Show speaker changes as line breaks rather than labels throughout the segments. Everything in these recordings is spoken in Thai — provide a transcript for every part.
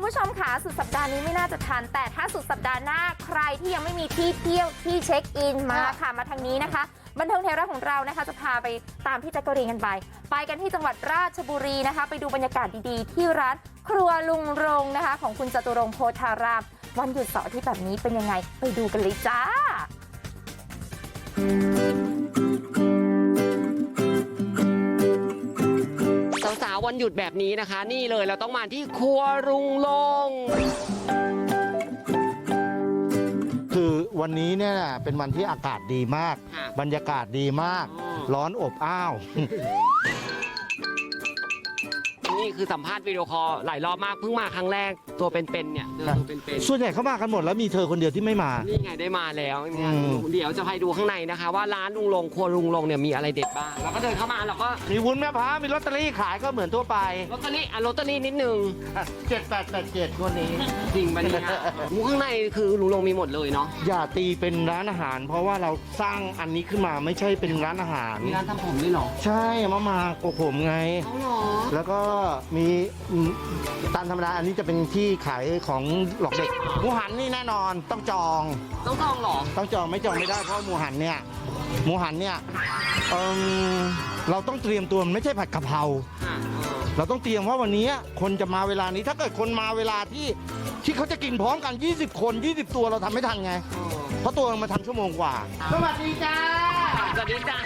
ผู้ชมค่ะสุดสัปดาห์นี้ไม่น่าจะทันแต่ถ้าสุดสัปดาห์หน้าใครที่ยังไม่มีที่เที่ยวที่เช็คอินมาค่ะมาทางนี้นะคะบันเทิงไทยรัฐของเรานะคะจะพาไปตามพี่แจ๊กกะรีนกันไปกันที่จังหวัดราชบุรีนะคะไปดูบรรยากาศดีๆที่ร้านครัวลุงรงนะคะของคุณจตุรงค์โพธารามวันหยุดเสาร์อาทิตย์แบบนี้เป็นยังไงไปดูกันเลยจ้า
สาวๆวันหยุดแบบนี้นะคะนี่เลยเราต้องมาที่ครัวลุงรงค์
คือวันนี้เนี่ยเป็นวันที่อากาศดีมากบรรยากาศดีมากร้อนอบอ้าว
นี่คือสัมภาษณ์วิดีโอคอลหลายรอบมากเพิ่งมาครั้งแรกตัวเป็นๆเนี่ยตัวเป็นๆ
ส่วนใหญ่เขามากันหมดแล้วมีเธอคนเดียวที่ไม่มา
นี่ไงได้มาแล้วเนี่ยเดี๋ยวจะไปดูข้างในนะคะว่าร้านลุงรงค์ครัวลุงรงค์เนี่ยมีอะไรเด็ดบ้างแล้วก็เดินเข้ามาแล้วก็
มีวุ้นแม่พร้าวมีลอตเตอรี่ขายก็เหมือนทั่วไป
ลอตเตอรี่นิดนึง
7887คนนี้
จริงปะเนี่ยข้างในคือลุงรงค์มีหมดเลยเนาะ
อย่าตีเป็นร้านอาหารเพราะว่าเราสร้างอันนี้ขึ้นมาไม่ใช่เป็นร้านอาหาร
มีร้านทำผมด้วยหรอ
ใช่มาโกผมไงแล้วก็มีตามธรรมดาอันนี้จะเป็นที่ขายของหลอกเด็กหมูหันนี่แน่นอนต้องจอง
หรอ
ต้องจองไม่จองไม่ได้เพราะหมูหันเนี่ยเราต้องเตรียมตัวไม่ใช่ผัดกะเพราเราต้องเตรียมว่าวันนี้คนจะมาเวลานี้ถ้าเกิดคนมาเวลาที่เขาจะกินพร้อมกัน20คน20ตัวเราทำไม่ทันไงเพราะตัวมาทำชั่วโมงกว่าสวัสดีจ้า
สวัสดีจ้า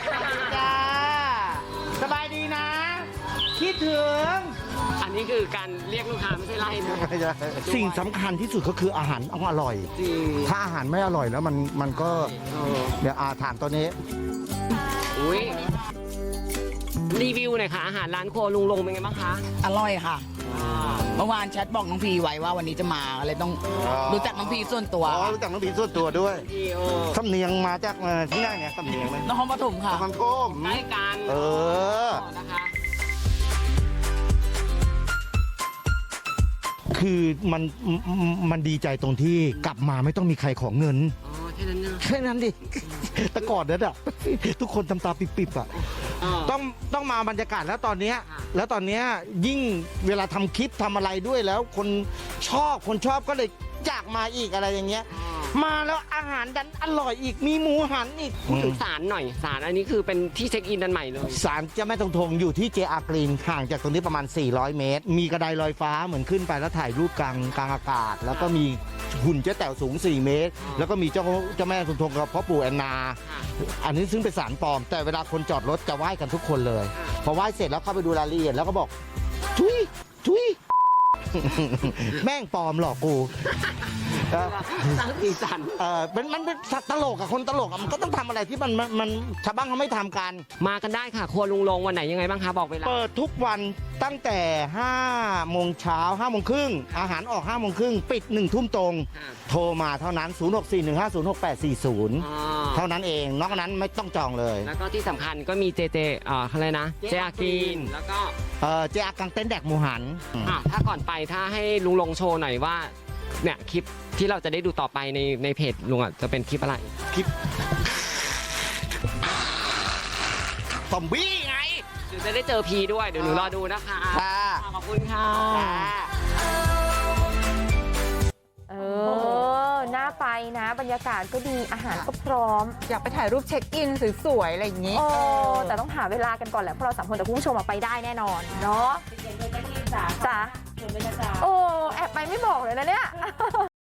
สบายดีนะคิดถึง
อันนี้คือการเรียกลูกค้าไม่ใช่ไล่นะ
สิ่งสำคัญที่สุดก็คืออาหารต้องอร่อยถ้าอาหารไม่อร่อยแล้วมันก็เดี๋ยวถามตัวนี้
อุ้ยรีวิวหน่อยค่ะอาหารร้านครัวลุงรงค์เป็นไงบ้างคะ
อร่อยค่ะเมื่อวานแชทบอกน้องพีไว้ว่าวันนี้จะมาอะไรต้องรู้จักน้องพีส่วนตัว
รู้จักน้องพีส่วนตัวด้วยสำเนียงมาจากที่ไหนเนี่ยสำเนียงไหม
นครปฐมค่ะ
นครปฐม
ใกล้กันนะคะ
คือมันดีใจตรงที่กลับมาไม่ต้องมีใครขอเงินแค่นั้นดิแต่ก่อนนั้นอ่ะทุกคนทำตาปิบๆอ่ะต้องมาบรรยากาศแล้วตอนเนี้ยยิ่งเวลาทำคลิปทำอะไรด้วยแล้วคนชอบก็เลยอยากมาอีกอะไรอย่างเงี้ยมาแล้วอาหารดันอร่อยอีกมีหมูหันอีก
พูดถึงศาลหน่อยศาลอันนี้คือเป็นที่เช็คอินอันใหม่เลย
ศาลเจ้าแม่ทงอยู่ที่เจอาร์กรีนห่างจากตรงนี้ประมาณ400เมตรมีกระไดลอยฟ้าเหมือนขึ้นไปแล้วถ่ายรูปกลางอากาศแล้วก็มีหุ่นเจ๊แต๋วสูง4เมตรแล้วก็มีเจ้าแม่ทงกับพ่อปู่แอนนาอันนี้ซึ่งเป็นศาลปลอมแต่เวลาคนจอดรถจะไหว้กันทุกคนเลยพอไหว้เสร็จแล้วเข้าไปดูรายละเอียดแล้วก็บอกทุยแม่งปลอมหลอกกู
สร้างสีสัน
มันเป็นตลกอะคนตลกอะมันก็ต้องทำอะไรที่มันชาวบ้านเขาไม่ทำกัน
มากันได้ค่ะครัวลุงรงค์วันไหนยังไงบ้างคะบอกเวลา
เปิดทุกวันตั้งแต่5 โมงเช้า5 โมงครึ่งอาหารออก5 โมงครึ่งปิด1 ทุ่มตรงโทรมาเท่านั้น0641506840เท่านั้นเองนอกนั้นไม่ต้องจองเลย
แล้วก็ที่สำคัญก็มีเจอะไรนะเจอากินแล้วก็
เจอากังเต้นแดกหมูหัน
ถ้าก่อนไปถ้าให้ลุงรงค์โชว์หน่อยว่าเนี่ยคลิปที่เราจะได้ดูต่อไปในเพจลุงจะเป็นคลิปอะไร
คลิปซอมบี้ไง
เดี๋ยวจะได้เจอพีด้วยเดี๋ยวหนูรอดูนะคะขอบคุณค่ะ
น่าไปนะบรรยากาศก็ดีอาหารก็พร้อม
อยากไปถ่ายรูปเช็คอินสวยๆอะไรอย่างนี้
แต่ต้องหาเวลากันก่อนแหละเพราะเรา3 คนแต่คุณผู้ชมไปได้แน่นอนเนาะจ้ะแอบไปไม่บอกเลยนะเนี่ย